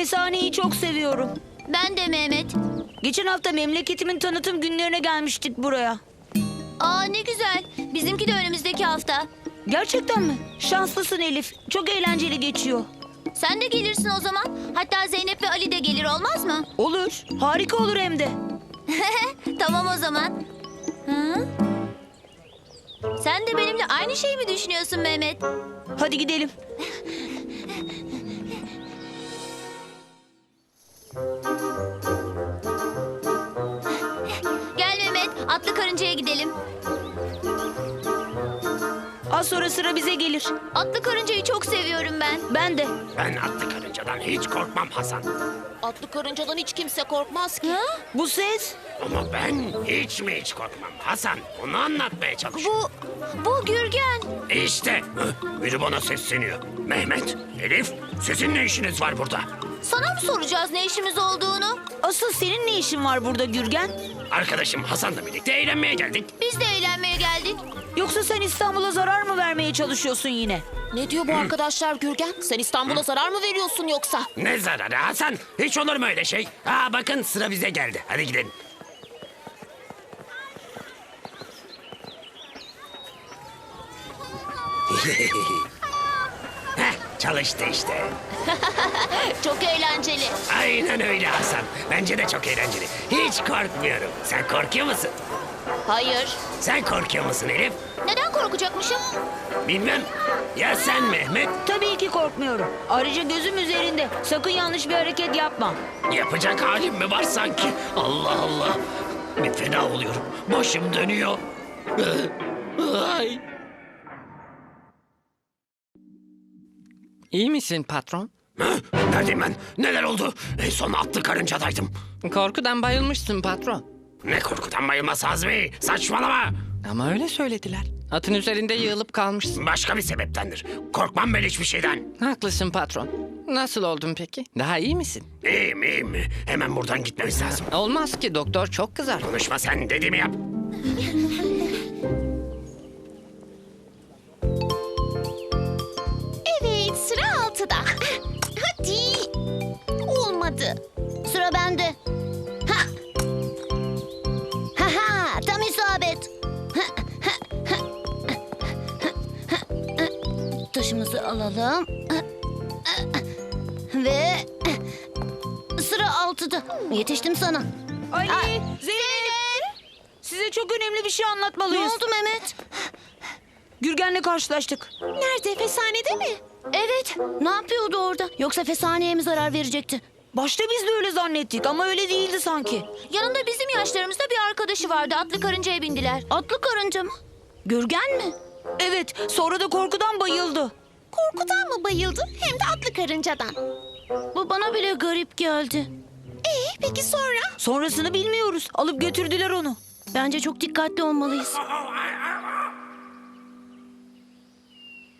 Fesane'yi çok seviyorum. Ben de Mehmet. Geçen hafta memleketimin tanıtım günlerine gelmiştik buraya. Aa ne güzel. Bizimki de önümüzdeki hafta. Gerçekten mi? Şanslısın Elif. Çok eğlenceli geçiyor. Sen de gelirsin o zaman. Hatta Zeynep ve Ali de gelir, olmaz mı? Olur. Harika olur hem de. Tamam o zaman. Hı? Sen de benimle aynı şeyi mi düşünüyorsun Mehmet? Hadi gidelim. Gel Mehmet, atlı karıncaya gidelim. Az sonra sıra bize gelir. Atlı karıncayı çok seviyorum ben. Ben de. Ben atlı karıncadan hiç korkmam Hasan. Atlı karıncadan hiç kimse korkmaz ki. Ha? Bu ses? Ama ben hiç korkmam Hasan. Onu anlatmaya çalışıyorum. Bu Gürgen. İşte biri bana sesleniyor. Mehmet, Elif, sizin ne işiniz var burada? Sana mı soracağız ne işimiz olduğunu? Asıl senin ne işin var burada Gürgen? Arkadaşım Hasan'la birlikte eğlenmeye geldik. Biz de eğlenmeye geldik. Yoksa sen İstanbul'a zarar mı vermeye çalışıyorsun yine? Ne diyor bu arkadaşlar Gürgen? Sen İstanbul'a zarar mı veriyorsun yoksa? Ne zararı Hasan? Hiç olur mu öyle şey? Aa bakın sıra bize geldi. Hadi gidelim. Heh, çalıştı işte. Çok eğlenceli. Aynen öyle Hasan. Bence de çok eğlenceli. Hiç korkmuyorum. Sen korkuyor musun? Hayır. Sen korkuyor musun Elif? Neden korkacakmışım? Bilmem. Ya sen Mehmet? Tabii ki korkmuyorum. Ayrıca gözüm üzerinde. Sakın yanlış bir hareket yapma. Yapacak halim mi var sanki? Allah Allah. Bir fena oluyorum. Başım dönüyor. Ay. İyi misin patron? Hı? Neredeyim ben? Neler oldu? En son atlı karıncadaydım. Korkudan bayılmışsın patron. Ne korkudan bayılmaz Azmi. Saçmalama. Ama öyle söylediler. Atın üzerinde yığılıp kalmışsın. Başka bir sebeptendir. Korkmam ben hiçbir şeyden. Haklısın patron. Nasıl oldun peki? Daha iyi misin? İyiyim. Hemen buradan gitmemiz lazım. Olmaz ki doktor çok kızar. Konuşma sen dediğimi yap. Evet, sıra 6'da. Hadi. Olmadı. Sıra bende. Ha. Ha ha, tam isabet. Taşımızı alalım. Ve sıra 6'da. Yetiştim sana. Ali, Aa, Zeynep. Size çok önemli bir şey Ne anlatmalıyız. oldu Mehmet? Gürgen'le karşılaştık. Nerede? Fesanede mi? Evet. Ne yapıyordu orada? Yoksa Fesane'ye mi zarar verecekti? Başta biz de öyle zannettik ama öyle değildi sanki. Yanında bizim yaşlarımızda bir arkadaşı vardı. Atlı karıncaya bindiler. Atlı karınca mı? Gürgen mi? Evet, sonra da korkudan bayıldı. Korkudan mı bayıldı? Hem de atlı karıncadan. Bu bana bile garip geldi. Peki sonra? Sonrasını bilmiyoruz. Alıp götürdüler onu. Bence çok dikkatli olmalıyız.